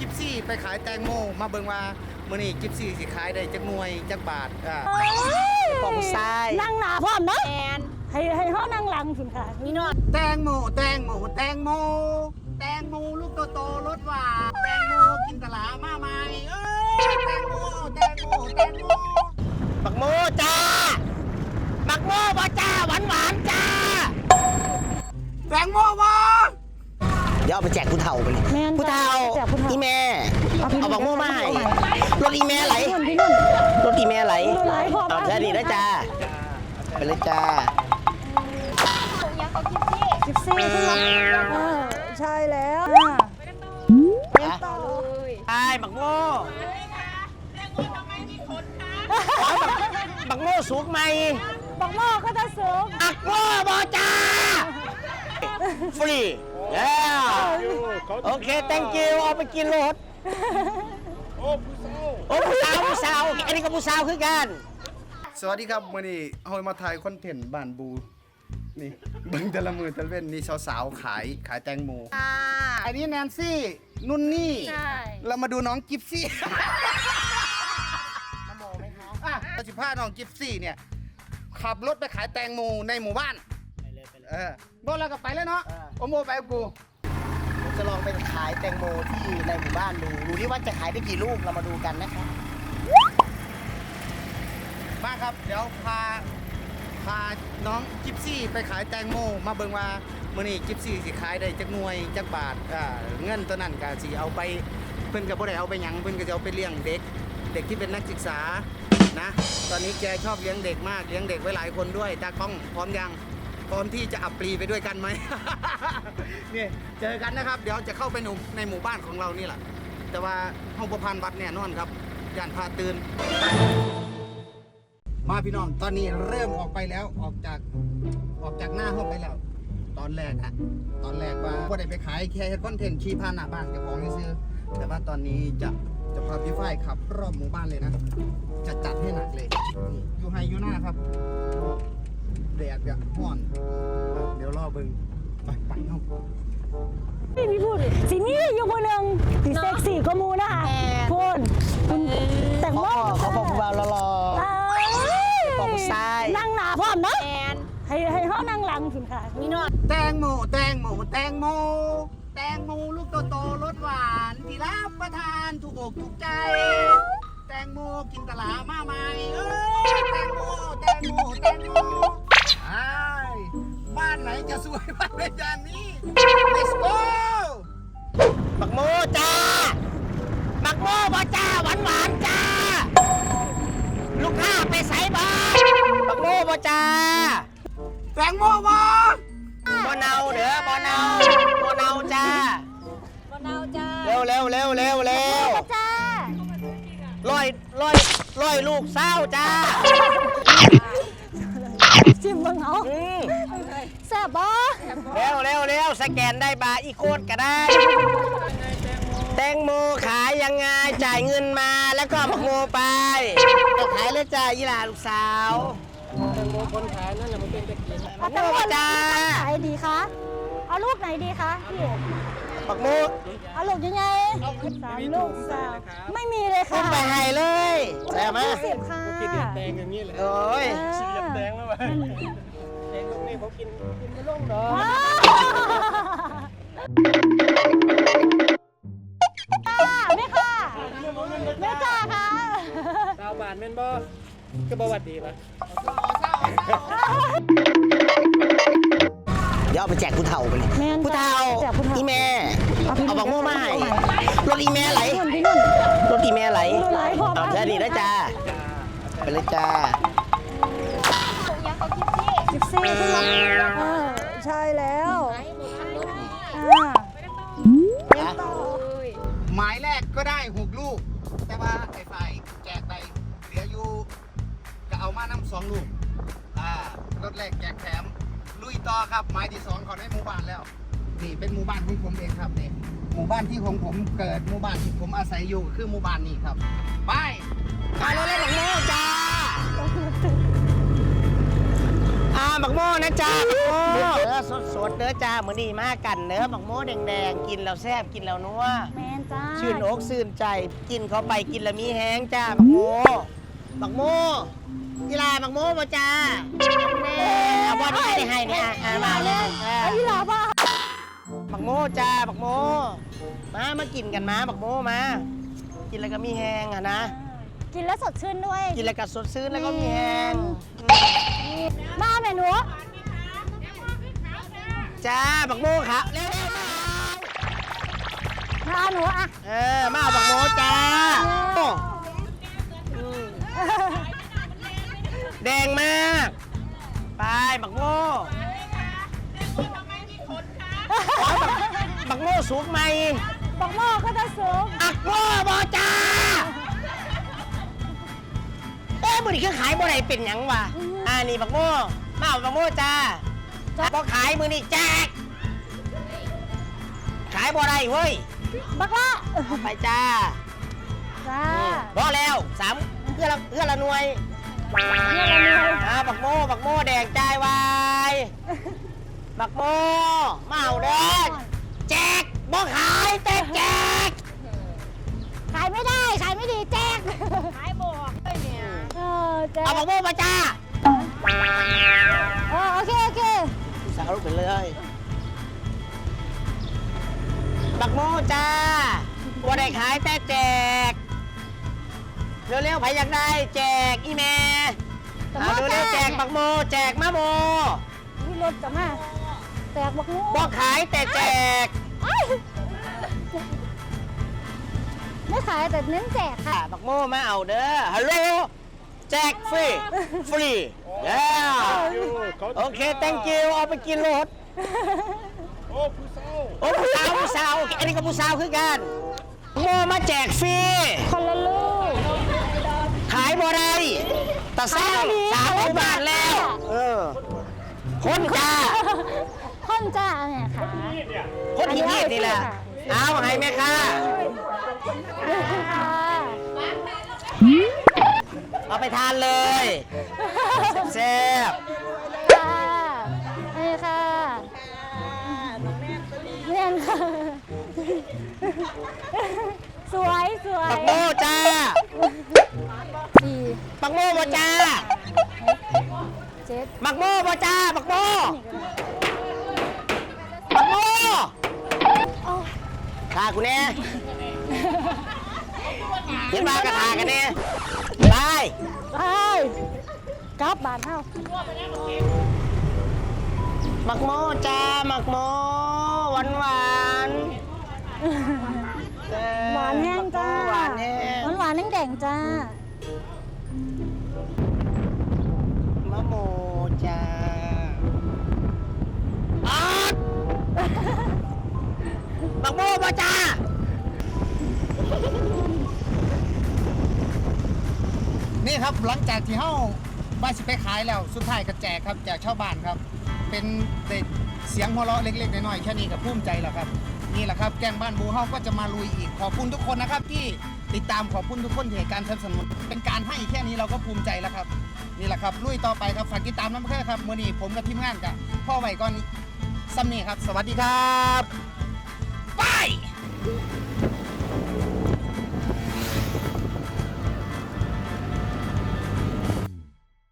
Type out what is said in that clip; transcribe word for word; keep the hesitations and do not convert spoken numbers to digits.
กิฟซี่ไปขายแตงโมมาเบิ่งว่ามื้อนี้กิฟซี่สิขายได้จักหน่วยจักบาทอ่าปองทรายนั่งหนาพร้อมเนาะแอนให้ให้เขานั่งหลังสิค่ะนี่นอนแตงโมแตงโมแตงโมแตงโมลูกโตๆรสหวานแตงโมกินตลามาใหม่เอ้ยแตงโมแตงโมแตงโมบักโมจ้าบักโมบ่จ้าหวานหวานจ้าแตงโมบ่เดี๋ยวเอาไปแจกผู้เฒ่าไปเลยแม่นผู้เฒ่าแจกผู้เฒ่าอีแม่เอาพี่เอาบักโมมาให้เอาไปรถอีแม่ไหลพี่นุ่นพี่นุ่นรถอีแม่ไหลรถไหลพอเอาแค่นี้นะจ้าไปเลยจ้ายังเขาคิดสิสิบสี่ขึ้นมาเออใช่แล้วอ่ะต่อเลยไอ้บักโมบักโมสูงไหมบักหม้อก็จะสูงบักโมบอจ้าฟรีแล้วโอเค thank you เอาไปกินรถโอ้ผู้สาวผู้สาวอันนี้ก็ผู้สาวคือกันสวัสดีครับมื่อนี้เฮามาถ่ายคอนเทนต์บ้านบูนี่เบิ่งแต่ละมือแต่ละเว้นนี่สาวๆขายขายแตงโมอันนี้แนนซี่นุ่นนี่ใช่เรามาดูน้องกิฟซี่น้ำโมไหมคะอ่ะเราสิพาน้องกิฟซี่เนี่ยขับรถไปขายแตงโมในหมู่บ้านไปเลยไปเลยเออโดนเราก็ไปแล้วเนาะโอโมไปกับกูจะลองไปขายแตงโมที่ในหมู่บ้านดูดูที่ว่าจะขายได้กี่ลูกเรามาดูกันนะครับมาครับเดี๋ยวพาพาน้องกิฟซี่ไปขายแตงโมมาเบิ่งว่ามื้อนี้กิฟซี่สิขายได้จักหน่วยจักบาทอ่าเงินตัวนั้นก็สิเอาไปเพิ่นก็บ่ได้เอาไปหยังเพิ่นก็จะเอาไปเลี้ยงเด็กเด็กที่เป็นนักศึกษานะตอนนี้แกชอบเลี้ยงเด็กมากเลี้ยงเด็กไว้หลายคนด้วยตากล้องพร้อมยังพร้อมที่จะอับปรีไปด้วยกันไหม นี่เจอกันนะครับเดี๋ยวจะเข้าไปหนุ่มในหมู่บ้านของเรานี่แหละแต่ว่าห้องประพันธ์วัดแน่นอนครับย่านพาตื่นมาพี่น้องตอนนี้เริ่มออกไปแล้วออกจากออกจากหน้าห้องไปแล้ว ตอนแรกอะตอนแรกว่าก็ได้ไปขายแค่เฮ็ดคอนเทนต์ขี่ผ่านหน้าบ้านเจ้าของซื้อแต่ว่าตอนนี้จะจะพาพี่ฝ้ายขับรอบหมู่บ้านเลยนะจะจัดให้หนักเลยนี่อยู่ไฮอยู่หน้าครับแดดแบบร้อน เดี๋ยวรอเบิ่งไปไปห้องพี่พี่พูดสินี่อยู่คนหนึ่งสีเซ็กซี่ก็มูนะคะพูดคุณแต่งโมเขาบอกว่ารอรอ ปองทรายนั่งหนาพร้อมเนาะแอนให้ให้เขานั่งหลังสิค่ะนี่นอนแตงโมแตงโมแตงโมแตงโมลูกโตๆรสหวานที่รับประทานถูกอกถูกใจ แตงโมกินตลามาใหม่เอ้ยแตงโมแตงโมแตงโมไอ้บ้านไหนจะสวยบ้านเป็นอย่างนี้ let's go บักโมจ้าบักโมบ่จ้าหวานหวานจ้าลูกค้าไปใส่บ้านบักโมบ่จ้าแตงโมบ่บ่เนาเด้อบ่เนาบ่เนาจ้าบนเอาจ้าเร็วเร็วเร็วเร็วเร็วจ้าร้อยร้อยร้อยลูกเศร้าจ้าชิมเบิ่งเอาอืมแซ่บบ่เร็วเร็วเร็วสแกนได้บาร์อีโคดก็ได้ แตงโมขายยังไงจ่ายเงินมาแล้วก็บักโมไปจะขายแล้วจ้าอีหลาลูกสาวแตงโมคนขายนั่นแหละมันเป็นตะกี้เอาแต่ว่าจ้าไหนดีคะเอาลูกไหนดีคะพี่บักโมเอาลูกยังไงสามลูกสามไม่มีเลยค่ะขึ้นไปให้เลยแซ่บไหมยี่สิบค่ะกินแตงอย่างนี้เลยโอ้ยสีแดงแล้ววะแตงตรงนี้เขากินกินไม่ลงดอกว้าวไม่ค่ะไม่จ้าค่ะดาวบานแม่นบ่คือประวัติดีปะเดี๋ยวเอาไปแจกผู้เฒ่าไปเลยแม่นผู้เฒ่าแจกผู้เฒ่าอีแม่เอาพี่เอาบักโมมาให้เอาใหม่รถอีแม่ไหลพี่นุ่นพี่นุ่นรถอีแม่ไหลรถไหลพอเอาแค่นี้นะจ้าไปเลยจ้ายังเขาคิดสิสิบสี่ขึ้นมาเออใช่แล้วไอ้หมดทันรถนี่อ่าต่อเลยหมายแรกก็ได้หกลูก แต่ว่าไอ้ฝ่ายแจกไปเหลืออยู่ก็เอามานำสองลูกอ่ารถแรกแจกแถมลุยต่อครับหมายที่สองเขาได้หมู่บ้านแล้วนี่เป็นหมู่บ้านของผมเองครับนี่หมู่บ้านที่ของผมเกิดหมู่บ้านที่ผมอาศัยอยู่คือหมู่บ้านนี้ครับไปไปรถเล่นบักโม่จ้าอ่าบักโม่นะจ้าบักโม่เนื้อสดๆเนื้อจ้าเหมือนดีมากกันเนื้อบักโม่แดงๆกินแล้วแซ่บกินแล้วนัวแมนจจ้าชื่นอกชื่นใจกินเข้าไปกินและมีแห้งจ้าบักโมบักโมกีฬาบักโมบ่จ้าแน่เอาบอลให้ได้ให้เนี่ยอ่ะมาเลยไอ้ยี่หล่าป่ะบักโมจ้าบักโมมามากินกันมาบักโมมากินแล้วก็มีแห้งอ่ะนะกินแล้วสดชื่นด้วยกินแล้วก็สดชื่นแล้วก็มีแห้งมาแม่หนูจ้าบักโมครับเร็วๆมามาหนูอ่ะเออมาเอาบักโมจ้าแดงมากไปบักโมบักโมสุกไหมบักหม้อก็จะสูงบักโมบอจ้าเอ้ยมือนี่คือขายบ่ได้เป็นหยังวะอ่านี่บักโมมาเอาบักโมจ้าบ่ขายมือนี่แจกขายบ่ได้เว้ยบักละไปจ้าจ้าพอแล้วสามเพื่อละเพื่อละหน่วยเนี่ยเรามีอะไรอ่าบักโมบักโมแดงใจวายบักโมมาเอาเด้อแจกบ่ขายแต่แจกขายไม่ได้ ขายไม่ดีแจกขายบอกเลยเนี่ยเออแจกเอาบักโมมาจ้าเออโอเค โอเคสาวลูกไปเลยบักโมจ้าบ่ได้ขายแต่แจกเร็วๆไผอยากได้แจกอีแม่เอาเร็วๆแจกบักโมแจกมาโมมีรถกลับมาแตกบักหมูบ่ขายแต่แจกเอ้ยไม่ขายแต่เน้นแจกค่ะบักโมมาเอาเด้อฮัลโหลแจกฟรีฟรีเย้โอเค thank you เอาไปกินรถโอ้ผู้สาวโอ้ผู้สาวผู้สาวโอเคอันนี้ก็ผู้สาวคือกันโมมาแจกฟรีคนละลูกขายบ่ได้แต่สร้างสามหมู่บ้านแล้ว เออ คนจ้าคนจ้าเนี่ยค่ะคนที่นี่นี่แหละ เอาให้แม่ค่ะค่ะเอาไปทานเลยแซ่บค่ะนี่ค่ะเรียนค่ะ สวยสวยปักโมจ้าสี่ปักโมบ่จ้าเจ็ดปักโมบ่จ้าปักโมปักโมโอ้ทากูแน่เห็นมากระทากันแน่ไปไปกลับบานเท่ามักโมจ้ามักโมหวานหวานๆหวานแห้งจ้าหวานแห้งหวานหวานแห้งแดงจ้ามะโมจ้าอ๊อดมักโมบ่จ้านี่ครับหลังจากที่เฮาบ้านสิไปขายแล้วสุดท้ายก็แจกครับแจกชาวบ้านครับ เป็นเด็กเสียงหัวเราะเล็กๆน้อยๆแค่นี้ก็ภูมิใจแล้วครับนี่แหละครับแกงบ้านบูเฮาก็จะมาลุยอีกขอบคุณทุกคนนะครับที่ติดตามขอบคุณทุกคนที่ให้การสนับสนุนเป็นการให้แค่นี้เราก็ภูมิใจแล้วครับนี่แหละครับลุยต่อไปครับฝากติดตามน้ำเพื่อครับมื้อนี้ผมกับทีมงานกับพ่อไว้ก่อนซ้ำนี่ครับ สวัสดีครับไป